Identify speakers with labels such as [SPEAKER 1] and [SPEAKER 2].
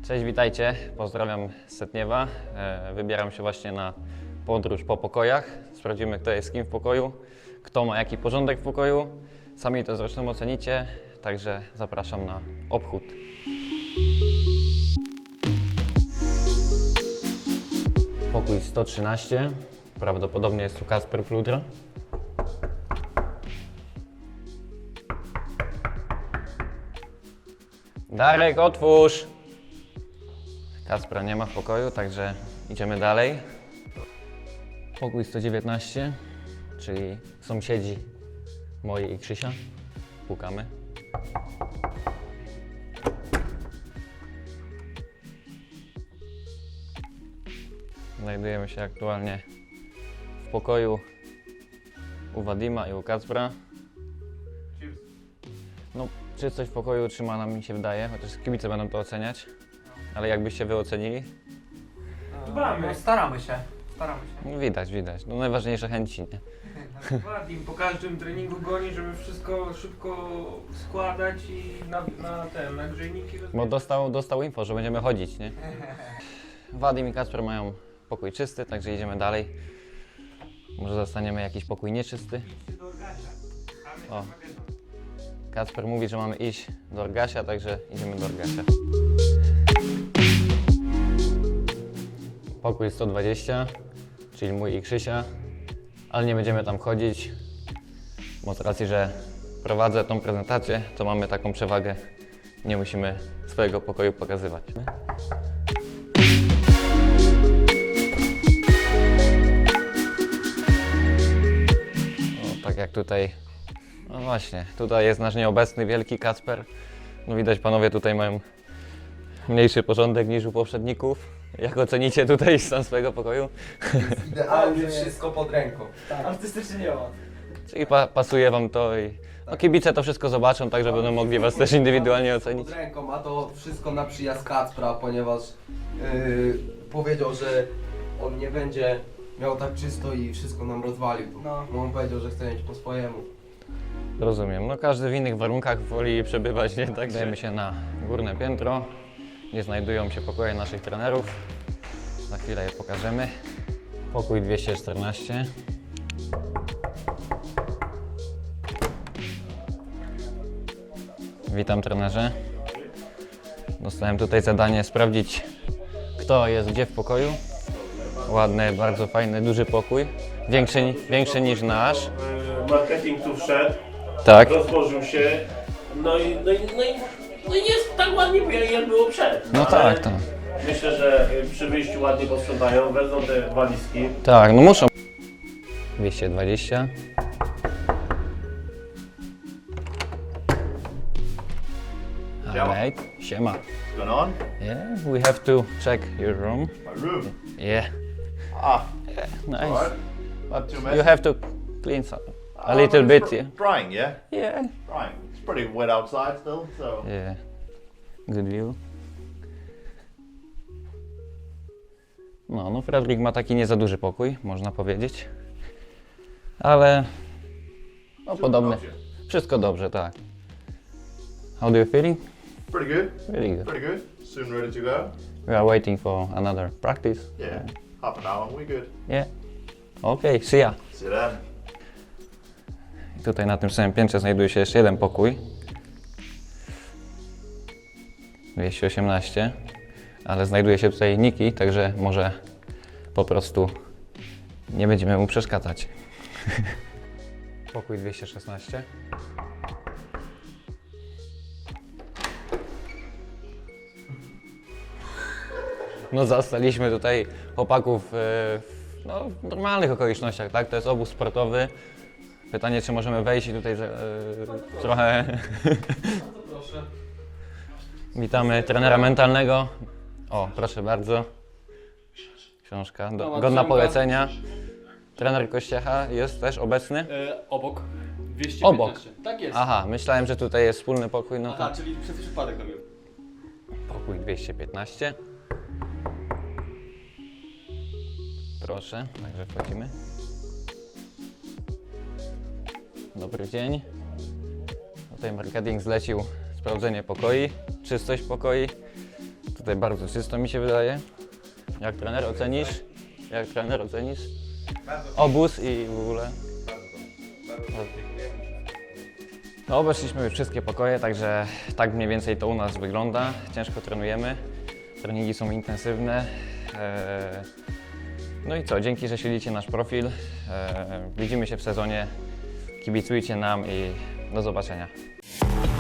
[SPEAKER 1] Cześć, witajcie. Pozdrawiam z Setniewa. Wybieram się właśnie na podróż po pokojach. Sprawdzimy, kto jest z kim w pokoju, kto ma jaki porządek w pokoju. Sami to zresztą ocenicie, także zapraszam na obchód. Pokój 113. Prawdopodobnie jest tu Kacper Fludra. Darek, otwórz! Kacpra nie ma w pokoju, także idziemy dalej. Pokój 119, czyli sąsiedzi moi i Krzysia. Pukamy. Znajdujemy się aktualnie w pokoju u Wadima i u Kacpra. No, czystość w pokoju trzyma nam, mi się wydaje, chociaż kibice będą to oceniać. Ale jakbyście wy ocenili?
[SPEAKER 2] Dbamy. Staramy się.
[SPEAKER 1] No, widać. No najważniejsze chęci, nie?
[SPEAKER 2] Wadim po każdym treningu goni, żeby wszystko szybko składać i na grzejniki
[SPEAKER 1] Bo dostał info, że będziemy chodzić, nie? Wadim i Kacper mają pokój czysty, także idziemy dalej. Może zostaniemy jakiś pokój nieczysty. O. Kacper mówi, że mamy iść do Orgasia, także idziemy do Orgasia. Pokój 120, czyli mój i Krzysia, ale nie będziemy tam chodzić, bo z racji, że prowadzę tą prezentację, to mamy taką przewagę, nie musimy swojego pokoju pokazywać. No, tak jak tutaj, no właśnie, tutaj jest nasz nieobecny wielki Kacper. No widać, panowie tutaj mają mniejszy porządek niż u poprzedników. Jak ocenicie tutaj stan swojego pokoju?
[SPEAKER 3] Idealnie wszystko pod ręką.
[SPEAKER 2] Artystycznie nie ma.
[SPEAKER 1] Czyli pasuje wam to i no, kibice to wszystko zobaczą, tak że będą mogli was też indywidualnie ocenić.
[SPEAKER 3] Pod ręką, a to wszystko na przyjazd Kacpra, ponieważ powiedział, że on nie będzie miał tak czysto i wszystko nam rozwalił. No on powiedział, że chce mieć po swojemu.
[SPEAKER 1] Rozumiem, no każdy w innych warunkach woli przebywać, nie? Tak, dajemy się na górne piętro, gdzie znajdują się pokoje naszych trenerów. Za chwilę je pokażemy. Pokój 214. Witam, trenerze. Dostałem tutaj zadanie sprawdzić, kto jest gdzie w pokoju. Ładny, bardzo fajny, duży pokój. Większy niż nasz.
[SPEAKER 4] Marketing tu wszedł,
[SPEAKER 1] Tak.
[SPEAKER 4] rozłożył się, no i jest tak ładnie, jak było przed.
[SPEAKER 1] No
[SPEAKER 4] Ale
[SPEAKER 1] tak, tak.
[SPEAKER 4] Myślę, że przy wyjściu ładnie posprzątają, wezmą te walizki.
[SPEAKER 1] Tak, no muszą. 220. Alright, siema.
[SPEAKER 5] What's going on?
[SPEAKER 1] Yeah, we have to check your room.
[SPEAKER 5] My room.
[SPEAKER 1] Yeah,
[SPEAKER 5] Ah,
[SPEAKER 1] nice.
[SPEAKER 5] alright. Not too messy.
[SPEAKER 1] You have to clean some, a
[SPEAKER 5] Oh,
[SPEAKER 1] little
[SPEAKER 5] it's
[SPEAKER 1] bit, yeah.
[SPEAKER 5] Drying, yeah?
[SPEAKER 1] Yeah.
[SPEAKER 5] Drying. It's pretty wet outside still, so.
[SPEAKER 1] Yeah, good view. No, Fredrik ma taki nie za duży pokój, można powiedzieć. Ale no podobny. Wszystko dobrze, tak. How do you feeling?
[SPEAKER 5] Pretty good.
[SPEAKER 1] Really good.
[SPEAKER 5] Pretty good. Soon ready to go.
[SPEAKER 1] We are waiting for another practice.
[SPEAKER 5] Yeah. Half an hour and we good.
[SPEAKER 1] Yeah. Okay, see ya.
[SPEAKER 5] See you then.
[SPEAKER 1] I tutaj na tym samym piętrze znajduje się jeszcze jeden pokój. 218. Ale znajduje się tutaj Niki, także może po prostu nie będziemy mu przeszkadzać. Pokój 216. No zastaliśmy tutaj chłopaków w normalnych okolicznościach, tak? To jest obóz sportowy. Pytanie, czy możemy wejść i tutaj trochę...
[SPEAKER 2] Proszę.
[SPEAKER 1] Witamy trenera mentalnego. O, proszę bardzo. Książka, godna polecenia. Trener Kościecha jest też obecny?
[SPEAKER 6] Obok. 215.
[SPEAKER 1] Obok.
[SPEAKER 6] Tak jest.
[SPEAKER 1] Aha, myślałem, że tutaj jest wspólny pokój, no to
[SPEAKER 6] Aha, czyli przez przypadek robił.
[SPEAKER 1] pokój 215. Proszę, także wchodzimy. Dobry dzień. Tutaj marketing zlecił sprawdzenie pokoi, czystość pokoi. tutaj bardzo czysto mi się wydaje. Jak trener ocenisz? Jak trener ocenisz? Obóz i w ogóle? No, obeszliśmy już wszystkie pokoje, także tak mniej więcej to u nas wygląda. Ciężko trenujemy, treningi są intensywne. No i co, dzięki, że śledzicie nasz profil. Widzimy się w sezonie, kibicujcie nam i do zobaczenia.